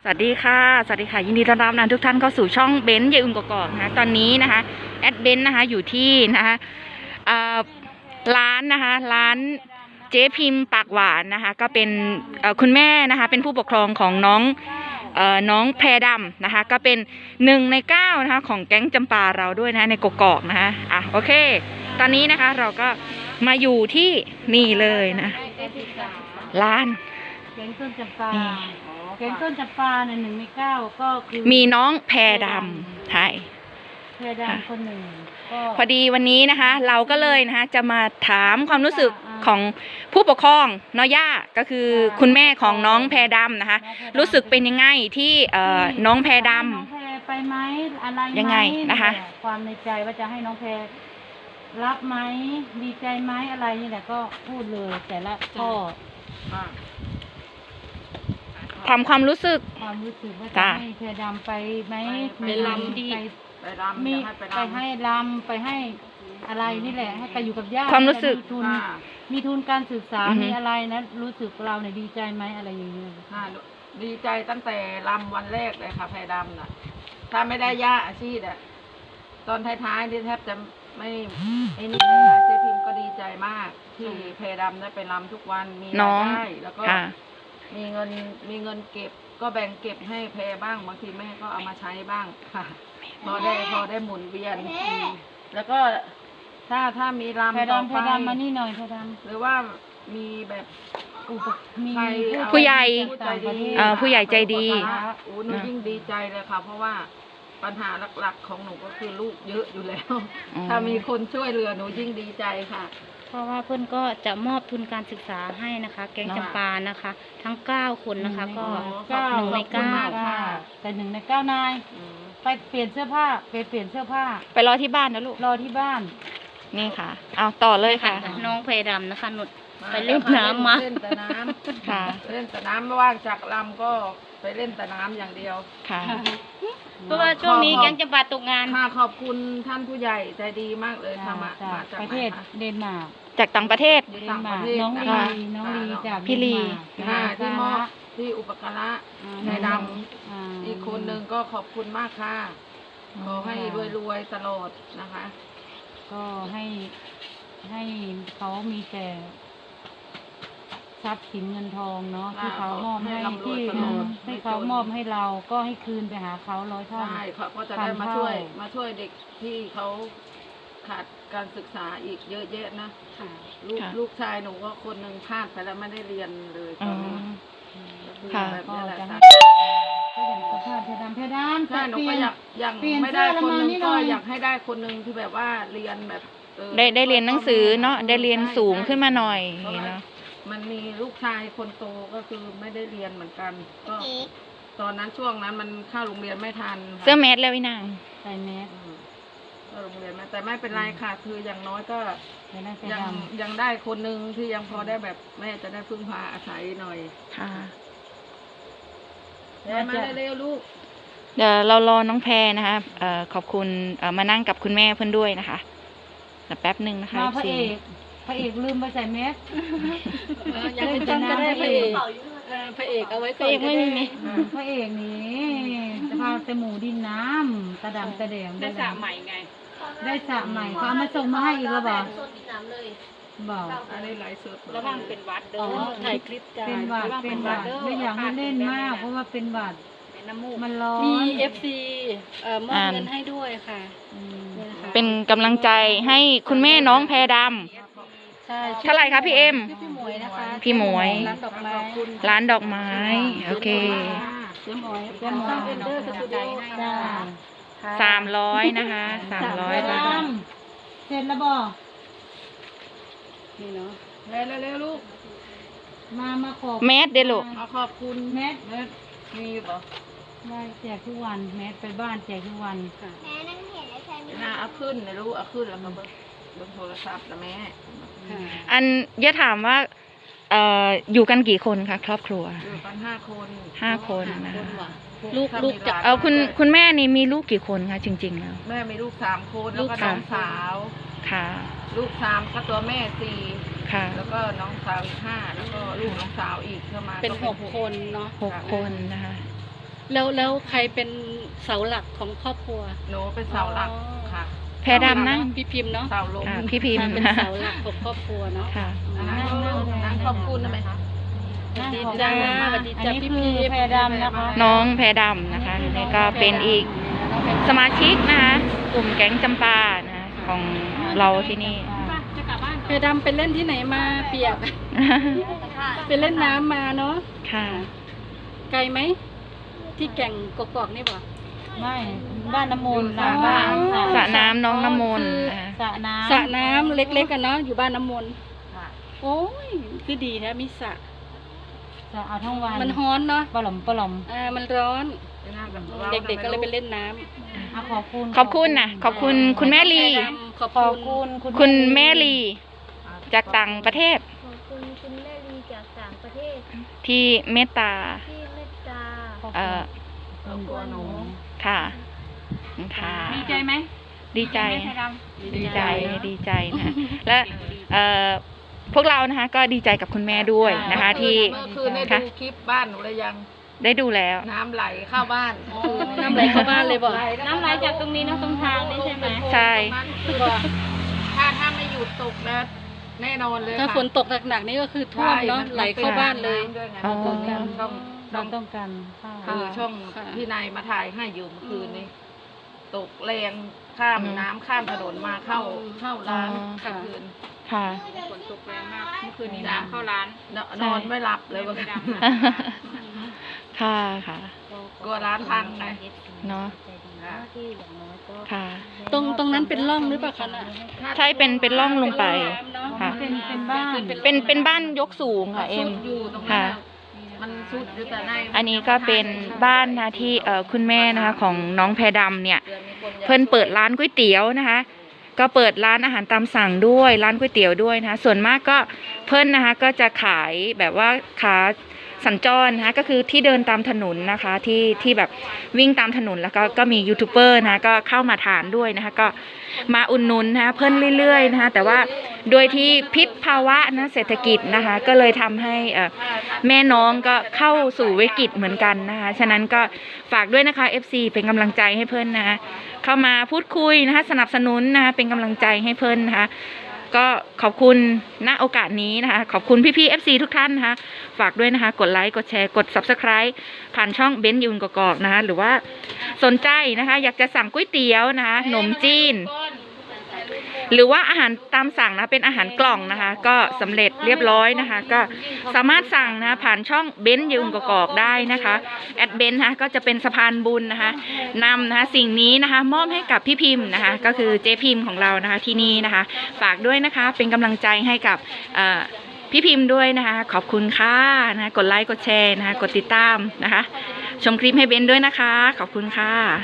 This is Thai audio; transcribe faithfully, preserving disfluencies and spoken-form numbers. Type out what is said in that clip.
สวัสดีค่ะสวัสดีค่ะยินดีต้อนรับนะทุกท่านเข้าสู่ช่องเบนซ์ยายอุ่มกอกๆนะตอนนี้นะคะแอดเบนซ์นะคะอยู่ที่นะคะร้านนะคะร้านเจ๊พิมพ์ปากหวานนะคะก็เป็นคุณแม่นะคะเป็นผู้ปกครองของน้องเอ่อน้องแพรดำนะคะก็เป็นหนึ่งในเก้านะคะของแก๊งจำปาเราด้วยนะในกกอกนะคะอ่ะโอเคตอนนี้นะคะเราก็มาอยู่ที่นี่เลยนะร้านแกงส้มจำปาแกงส้มจำปาในหนึ่งในเก้าก็คือมีน้องแพรดำใช่แพรดำคนหนึ่งก็พอดีวันนี้นะคะเราก็เลยนะคะจะมาถามความรู้สึกของผู้ปกครองน้อย่าก็คือคุณแม่ของน้องแพรดำนะคะรู้สึกเป็นยังไงที่เอ่อน้องแพรดำน้องแพรไปไหมอะไรยังไงนะคะความในใจว่าจะให้น้องแพรรับไหมดีใจไหมอะไรนี่แหละก็พูดเลยแต่ละข้อทำความรู้สึกความรู้สึกว่าจะให้แพรดำไปไหมไปลำดีไปรำมีไปให้รำไปให้อะไรนี่แหละให้ไปอยู่กับญาติความรู้สึกทุนมีทุนการศึกษามีอะไรนะรู้สึกเราเนี่ยดีใจไหมอะไรอย่างเงี้ยค่ะดีใจตั้งแต่รำวันแรกเลยค่ะแพรดำน่ะถ้าไม่ได้ย่าอาชีพอ่ะตอนท้ายๆที่แทบจะไม่ไอ้นี่นะเจ๊พิมก็ดีใจมากที่แพรดำได้ไปรำทุกวันมีรายได้แล้วก็มีเงินมีเงินเก็บก็แบ่งเก็บให้แพรบ้างบางทีแม่ก็เอามาใช้บ้างค่ะพอได้พอได้หมุนเวียนแล้วก็ถ้าถ้ามีรำต่อไปมานี่หน่อยแพรดำหรือว่ามีแบบมีผู้ใหญ่ผู้ใหญ่ใจดีโอ้หนูยิ่งดีใจเลยค่ะเพราะว่าปัญหาหลักๆของหนูก็คือลูกเยอะอยู่แล้วถ้ามีคนช่วยเหลือหนูยิ่งดีใจค่ะเพราะว่าเพื่อนก็จะมอบทุนการศึกษาให้นะคะแกงจำปานะคะทั้งเก้าคนนะคะก็หนึ่งในเก้าแต่หนึ่งในเก้านายไปเปลี่ยนเสื้อผ้าไปเปลี่ยนเสื้อผ้าไปรอที่บ้านนะลูกรอที่บ้านนี่ค่ะเอาต่อเลยค่ะน้องแพรดำนะคะหนุดไปเล่นน้ำมาเล่นแต่น้ำค่ะเล่นแต่น้ำไม่ว่างจากลำก็ไปเล่นแต่น้ำอย่างเดียวค่ะเพราะว่าช่วงนี้แกงจำปาตกงานค่ะขอบคุณท่านผู้ใหญ่ใจดีมากเลยค่ะมาจากประเทศเดนมาร์กจากต่างประเทศเดนมาร์กน้องลีน้องลีจากพี่ลีค่ะที่มอบที่อุปการะในดำอีกคนหนึ่งก็ขอบคุณมากค่ะขอให้รวยๆตลอดนะคะก็ให้ให้เขามีแต่ทรัพย์สินเงินทองเนาะที่เขามอบให้ที่ให้เขามอบให้เราก็ให้คืนไปหาเขาร้อยเท่าใช่เขาก็จะได้มาช่วยมาช่วยเด็กที่เขาขาดการศึกษาอีกเยอะแยะนะลูกลูกชายหนูก็คนหนึ่งพลาดไปแล้วไม่ได้เรียนเลยตอนนี้ค่ะก็จะให้ก็อย่างสภาพเพดานเพดานใช่หนูก็อยากยังไม่ได้คนหนึ่งก็อยากให้ได้คนหนึ่งที่แบบว่าเรียนแบบได้ได้เรียนหนังสือเนาะได้เรียนสูงขึ้นมาหน่อยเนาะมันมีลูกชายคนโตก็คือไม่ได้เรียนเหมือนกันก็ตอนนั้นช่วงนั้นมันเข้าโรงเรียนไม่ทันเสื้อแมสแล้วพี่นางใส่แมสเข้าโรงเรียนมาแต่ไม่เป็นไรค่ะคืออย่างน้อยก็ยังยังได้คนหนึ่งที่ยังพอได้แบบแม่จะได้พึ่งพาอาศัยหน่อยค่ะมาเร็วๆลูกเดี๋ยวเรารอน้องแพรนะคะเอ่อขอบคุณเอ่อมานั่งกับคุณแม่เพื่อนด้วยนะคะแต่แป๊บหนึ่งนะคะพระเอกพระเอกลืมไปใส่แมสยังไม่ต้องก็ได้พระเอกพระเอกเอาไว้ก่อนไม่มีพระเอกนี่จะพาแต่หมูดินน้ำตะดำตะแดงได้สระใหม่ไงได้สระใหม่เขาเอามาส่งมาให้อีกแล้วบอกบอกอันนี้ไลฟ์สดระวังเป็นวัดเด้อถ่ายคลิปจ้าเป็นวัดเป็นวัดไม่อยากให้เล่นมากเพราะว่าเป็นวัดมันร้อนมี เอฟ ซี เอ่อมอบเงินให้ด้วยค่ะเป็นกำลังใจให้คุณแม่น้องแพรดำเท่าไหร่คะพี่เอ็มพี่หมวยนะคะพี่หมวยร้านดอกไม้ร้านดอกไม้โอเคพี่หมวยพี่หมวยเป็นเดอร์สตูดิโอจ้าสามร้อยนะคะสามร้อยบาทเสร็จแล้วบ่นี่เนาะเร็วเร็วลูกมามาขอบแมสเด้อลูกมาขอบคุณแมสมีบ่ได้แจกทุกวันแมสไปบ้านแจกทุกวันค่ะแม่นั่งเห็นแล้วใช่ไหมน่าเอาขึ้นนะลูกเอาขึ้นแล้วมาเบิ่งเบิ่งโทรศัพท์นะแม่อันย่าถามว่าเอ่ออยู่กันกี่คนคะครอบครัวอยู่กันห้าคนห้าคนนะคะลูกลูกจะเอาคุณคุณแม่นี่มีลูกกี่คนคะจริงๆแล้วแม่มีลูกสามคนแล้วก็น้องสาวค่ะลูกสามก็ตัวแม่สี่ค่ะแล้วก็น้องสาวอีกห้าแล้วก็ลูกน้องสาวอีกเข้ามาเป็นหกคนเนาะหกคนนะคะแล้วแล้วใครเป็นเสาหลักของครอบครัวหนูเป็นเสาหลักค่ะแพรดำนั่งพี่พิมพ์เนาะเสาลมอ่าพี่พิมพ์เป็นเสาหลักของครอบครัวเนาะค่ะนั่งนั่งขอบคุณได้ไหมคะนั่งดีขอบจ้าคุณสวัสดีอันจ้านี้พี่คืพิอมพ์แพรดำนะคะน้องแพรดำนะคะนี่ก็เป็นอีกสมาชิกนะคะกลุ่มแก๊งจำปานะคะของเราที่นี่เพดำไปเล่นที่ไหนมาเปียก ไปเล่นน้ำมาเนาะค่ะไกลไหมที่แก่งกอกๆนี่บ่ไม่บ้านน้ำมนต์นะอ๋อบ้านสระน้ำน้องน้ำมนต์คือนะคะสระน้ำสระน้ำเล็กๆกันเนาะอยู่บ้านน้ำมนต์ค่ะโอ้ยคือดีนะมีสระสระเอาทั้งวันมันฮ้อนเนาะปลอมปลอมอ่ามันร้อนนั่งกับราเด็กๆก็เลยไปเล่นน้อ่ะขอบคุณขอบคุณนะขอบคุณคุณแม่ำลีเพดำขอบขอบคุคุณ ณคุณแม่ลีจากต่างประเทศขอบคุณคุณแม่ลีจากต่างประเทศที่เมตตาที่เมตตาเอ่อครอบครัวหนูค่ะค่ะดีใจไหมดีใจเพดำดีใจดีใจนะและเอ่อพวกเรานะคะก็ดีใจกับคุณแม่ด้วยนะคะ ที่เมื่อคืนได้ค่ะดูคลิปบ้านหนูเลยยังได้ดูแล้วน้ำไหลเข้าบ้านน้ำไหลเข้าบ้านเลยบ่น้ำไหลจากตรงนี้เนอะตรงทางนี่ใช่ไหมใช่คือว่าถ้าถ้าไม่หยุดตกนะแน่นอนเลยถ้าค่ะฝนตกหนักๆนี่ก็คือท่วมเนาะใช่ไหลเข้าบ้านเลยด้วยไงอ๋อเมื่อคืนช่องเราช่องต้องการข้าวคือช่องค่ะพี่นายมาถ่ายให้อยู่เมื่อคืนนี้ตกแรงข้ามน้ำข้ามถนนมาเข้าเข้าร้านอ๋อเมื่อคืนค่ะฝนตกแรงมากเมื่อคืนนี้จ้ะน้ำเข้าร้านนนอนไม่หลับเลยเมื่อคืนค่ะค่ะกลัวร้านพังไงเนาะค่ะค่ะตรงตรงนั้นเป็นร่องหรือเปล่าคะน่ะใช่เป็นเป็นร่องลงไป ค่ะเป็นเป็นบ้านเป็นเป็นบ้านยกสูงค่ะเอ็มสุดอยู่ตรงนั้ค่ะนน่ะมันสุดอยู่แต่ในอันนี้ก็เป็นบ้านนะที่เอ่อคุณแม่นะคะของน้องแพรดำเนี่ย เพิ่นเปิดร้านก๋วยเตี๋ยวนะคะ ก็เปิดร้านอาหารตามสั่งด้วยร้านก๋วยเตี๋ยวด้วยนะคะ ส่วนมากก็เพิ่นนะคะก็จะขายแบบว่าขาสัญจรนะคะก็คือที่เดินตามถนนนะคะที่ที่แบบวิ่งตามถนนแล้วก็ก็มียูทูบเบอร์นะคะก็เข้ามาทานด้วยนะคะก็มาอุดหนุนนะคะเพิ่นเรื่อยๆนะคะแต่ว่าโดยที่พิษภาวะนะเศรษฐกิจนะคะก็เลยทำให้เอ่อแม่น้องก็เข้าสู่วิกฤตเหมือนกันนะคะฉะนั้นก็ฝากด้วยนะคะ เอฟ ซี เป็นกำลังใจให้เพิ่นนะคะเข้ามาพูดคุยนะคะสนับสนุนนะคะเป็นกำลังใจให้เพิ่นนะคะก็ขอบคุณณโอกาสนี้นะคะขอบคุณพี่ๆ เอฟ ซี ทุกท่านนะคะฝากด้วยนะคะกดไลค์กดแชร์กด ซับสไครบ์ ผ่านช่องเบนซ์ยูนกอกๆนะคะหรือว่าสนใจนะคะอยากจะสั่งก๋วยเตี๋ยวนะคะขนมจีน หรือว่าอาหารตามสั่งนะเป็นอาหารกล่องนะคะก็สำเร็จเรียบร้อยนะคะก็สามารถสั่งนะคะผ่านช่องเบนซ์ยูนกอกๆได้นะคะแอดเบนซ์นะคะก็จะเป็นสะพานบุญนะคะนำนะคะสิ่งนี้นะคะมอบให้กับพี่พิมพ์นะคะก็คือเจ๊พิมพ์ของเรานะคะที่นี่นะคะฝากด้วยนะคะเป็นกำลังใจให้กับเอ่อพี่พิมพ์ด้วยนะคะขอบคุณค่ะนะคะกดไลค์กดแชร์นะคะกดติดตามนะคะชมคลิปให้เบนซ์ด้วยนะคะขอบคุณค่ะ